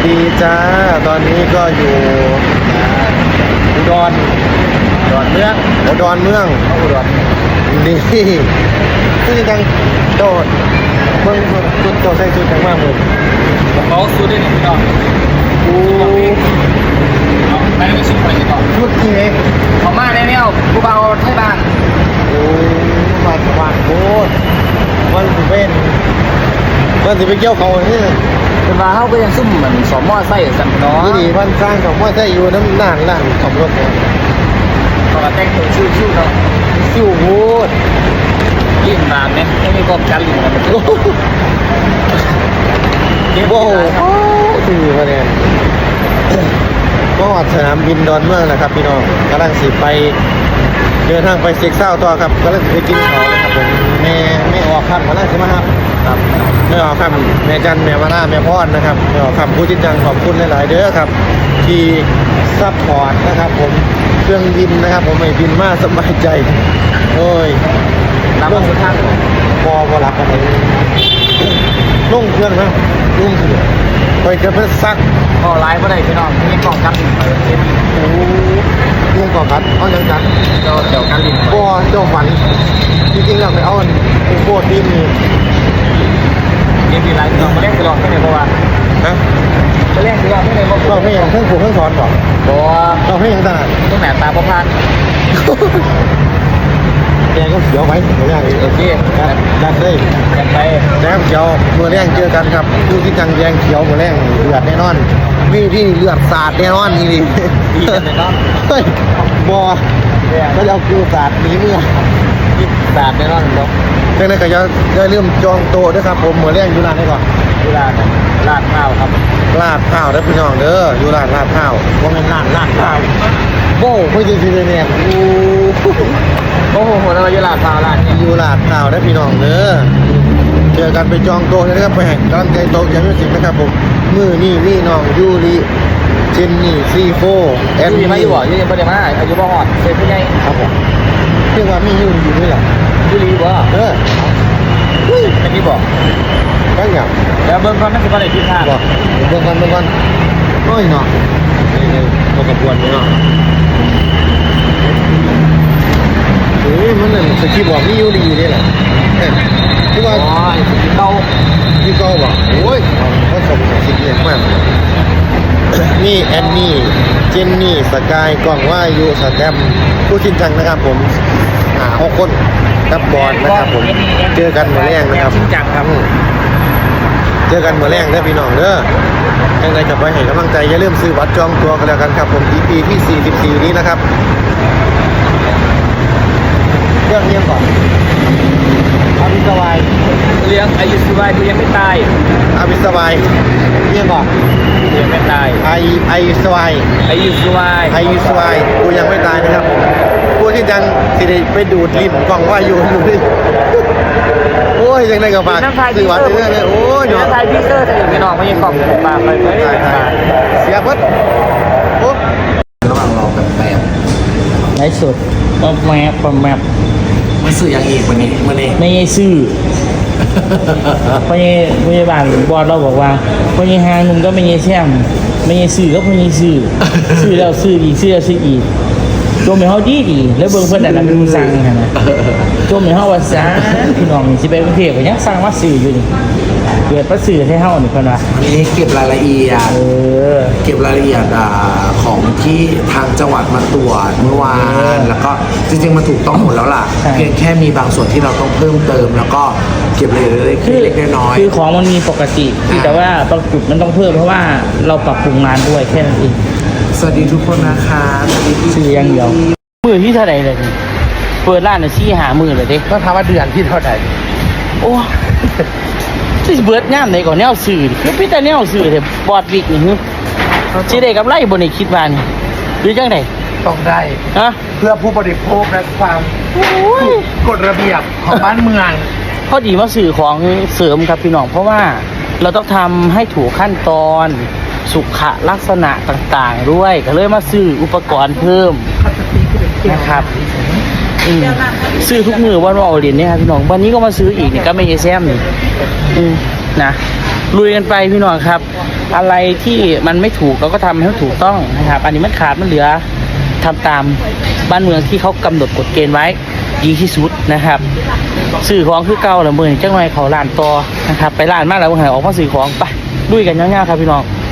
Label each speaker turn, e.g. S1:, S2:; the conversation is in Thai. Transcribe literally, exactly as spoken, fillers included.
S1: ดีจ้าตอนนี้ก็อยู่อุดรอุดรเมืองอุดรเมืองอุดรนี่คือจังโดดเมืองชุดโตใส่ชุดจังมากเลย
S2: เขาซื้อได้หนึ่งดอก
S1: โอ้
S2: ไปไม่ชิมไปก่อน
S1: ชุดที่ไหน
S2: เขามาแน่ๆกูเบาไทยบ้าน
S1: โอ้มาสว่างโคตรมันสิเป็นมันสิไปเกี่ยวเขาเนี่ย
S2: เป็นว่าเขาก็ยังซุ่มเหมือนสอมมอไส้สันเนาะ
S1: นี่ดีมันสร้างสองมอไซค์อยู่น้ำหนักหลังขับรถเนี่ย
S2: เขาก็แต่งตัวชิวๆเนาะ
S1: ซิ่วโคตร
S2: ลิ้นบานเนี่ยไม่มีกบกันลิ้นกันโอ้โห
S1: โอ้โหสี่คะแนนก็สนามบินดอนเมืองนะครับพี่น้องกำลังสิไปเดินทางไปเซ็กเศร้าต่อครับกำลังไปกินเขานะครับผมแม่แม่ออกคำมาแล้วใช่ไหมครับครับแม่ออกคำแม่จันแม่มาล่าแม่พอดนะครับแม่ออกคำผู้จิตจังขอบคุณหลายๆเด้อครับที่ซัพพอร์ตนะครับผมเครื่องบินนะครับผมไม่บินมากสบายใจโอ้ย
S2: รับมาสุดท้าย
S1: พอพอรับกันเลยลุ่งเครื่องนะลุ่งเสือไปจะเพื่อซัก
S2: ก็ไลฟ์ก็ได้พี่น้องมีกล่องกันลิ้นไป
S1: โอ้ลุ่งก่อกัดเอาจังจัน
S2: เจ้าเจ้ากันลิ้น
S1: ก็เจ้าฝันจริงๆเราไปเอาอุโบสถที่มี
S2: เดี๋ยวมีไลฟ์เรามาเล่นตลอดไม่ได้เพราะว่า
S1: ฮะ
S2: มาเล่นตลอดไม่ได้เพราะ
S1: เราให้ยังเครื่องผูกเครื่องสอนบอก
S2: บอก
S1: เราให้ยังตา
S2: ต้องแหนตาพพาน
S1: แกก็เขียวไว้เหมือนอย่างนี้
S2: โอเค
S1: ดันได้
S2: ยังไป
S1: แล้วเขียวเมื่อแรงเจอกันครับผู้ที่จังแยงเขียวเมื่อแรงเลือดแน่นอนมีที่เลือดสาดแน่นอนนี่นี่
S2: ดีกันเลยเนาะ
S1: เฮ้ยบอก็จะเอาคิวสาดหนีเมื่อ
S2: สาดแน่นอนเนาะ
S1: ดังนั้นก็จะได้เริ่มจองโต๊ะด้วยครับผมเมื่อแรงอยู่ร้านนี้ก่อน
S2: อยู่ร้านลาดข้าวครับ
S1: ลาดข้าวได้พี่น้องเด้ออยู่ร้านลาดข้าวว่าเป็นร้านลาดข้าวโบ้ไม่จริงจริงเนี่ยโอ้
S2: โอ้โหเราอยู่ลาดข้าวร้าน
S1: อยู่ลาดข้าวได้พี่น้องเด้อเจอกันไปจองโต๊ะนะครับไปแห่งกำลังใจโต๊ะยังไม่สิบนะครับผมมือนี่นี่น้องยูริเจนนี่ซีโฟ
S2: แอนนี่มาอยู่บ่อยู่ยังไม่ได้มาอายุบ่หอดเซ็ตผู้ใหญ่
S1: ครับผมเรียกว่ามียูริอยู่ด้วยหรอ
S2: ยูริบ่
S1: เออ
S2: เป็นนี่บ่
S1: ก็อย่าง
S2: แล้วเบิ้งก่อนนั่นคืออะไรที่ท่า
S1: บ่เบิ้งก่อนเบิ้งก่อนโอ้ยเนาะนี่ๆตัวกระบวนนี่เนาะเฮ้ยมันนั่นสกีบอกมียูริอยู่ด้วยหรอที่ว่า
S2: อ๋อสกีเก้า
S1: ที่เก้าบ่โอ้ยเขาส่งสกีมากนี่แอนนี่เจนนี่สกายกล้องว่าอยู่สแตมผู้ชินจังนะครับผมหาหกคนกับบอลนะครับผมเจอกันเมื่อแรงนะครับ
S2: ชินจังครับ
S1: เจอกันเมื่อแรงเด้อพี่น้องเด้อยังไงจะไปให้กำลังใจอย่าลืมซื้อบัตรจองตัวกันแล้วกันครับผม อี พี ที่สี่สิบสี่นี้นะครับเรื่องเงียบก่อนอาบิสวาย
S2: เลี้ยงอายุสบายดูยังไม่ตาย
S1: อาบิสวายเงียบก่อน
S2: ยังไม่ตาย
S1: ไอไอสวาย
S2: อายุสบาย
S1: อายุสวายกูยังไม่ตายนะครับผมผู้ที่ยังสิได้ไปดูดลิ้นกล่องว่าอยู่อยู่ดิโอ้ยยังได้กับฝากซื้อวัดเรื่อยๆโอ้ย
S2: เนาะไทยพิเตอร์แต่ยังไม่นอนไม่ยังกล่องปากไปไป
S1: เสียบัดโอ้
S2: ระหว่างรอแบบแบบในสุดปอมแมปปอมแมป
S3: มันสื่ออย่างอีกวันนี้วันนี้
S2: ไม่ใช่ซื่อพยพยาบาลบอสเราบอกว่าพยาหางนุ่มก็ไม่ใช่แช่มไม่ใช่ซื่อก็ไม่ใช่ซื่อซื่อแล้วซื่ออีกซื่อแล้วซื่ออีกโจมให้เขาดีดีแล้วเบิ่งเพิ่นแต่ละมือสั่งขนาดโจมให้เขาว่าซ่าพี่น้องสิไปกรุงเทพก็ยังสั่งว่าซื่ออยู่นี่เกิดประสื่อให้เฮานี่เพิ่นว่า
S3: วันนี้เก็บรายละเอียด
S2: เออ
S3: เก็บรายละเอียดอ่าของที่ทางจังหวัดมาตรวจเมื่อวานแล้วก็จริงๆมันถูกต้องหมดแล้วล่ะเพียงแค่มีบางส่วนที่เราต้องเพิ่มเติมแล้วก็เก็บรายละเอียดเล็กๆน้อย
S2: ๆคือของมันมีปกติแต่ว่าบางจุดมันต้องเพิ่มเพราะว่าเราปรับปรุงงานด้วยแค่นั้นเอง
S3: สวัสดีทุกคนนะคะสวัสดีพี่
S2: ชื่อยังเดียวมือที่เท่าไหร่เลยเปิดร้านน่ะชี้หามือเลยเด้
S1: ก็ถามว่าเดือนที่เท่าไหร่
S2: โอ้ที่เบิดงามไหนก่อนแนวสื่อคือพี่แต่แนวสื่อแต่บอดวิกนี่ฮึสิได้กับไรบนในคิดว่านี่หรือจังได
S3: ต้องได้
S2: ฮะ
S3: เพื่อผู้บริโภคและความกฎระเบียบของบ้านเมือง
S2: พอดีมาสื่อของเสริมครับพี่น้องเพราะว่าเราต้องทำให้ถูกขั้นตอนสุขลักษณะต่างๆด้วยก็เลยมาซื้ออุปกรณ์เพิ่มนะครับซื้อทุกมือวันว่าเอาเหรียญเนี่ยครับพี่น้องวันนี้ก็มาซื้ออีกนี่ก็ไม่ใช่แซมนี่นะลุยกันไปพี่น้องครับอะไรที่มันไม่ถูกเราก็ทำให้มันถูกต้องนะครับ อันนี้มันขาดมันเหลือทำตามบ้านเมืองที่เขากำหนดกฎเกณฑ์ไว้ดีที่สุดนะครับสื่อของคือเก่าละมือจังหน่อยเขาล้านต่อนะครับไปล้านมากแล้วมึงหายออกมาสื่อของไปด้วยกันง่ายๆครับพี่น้อง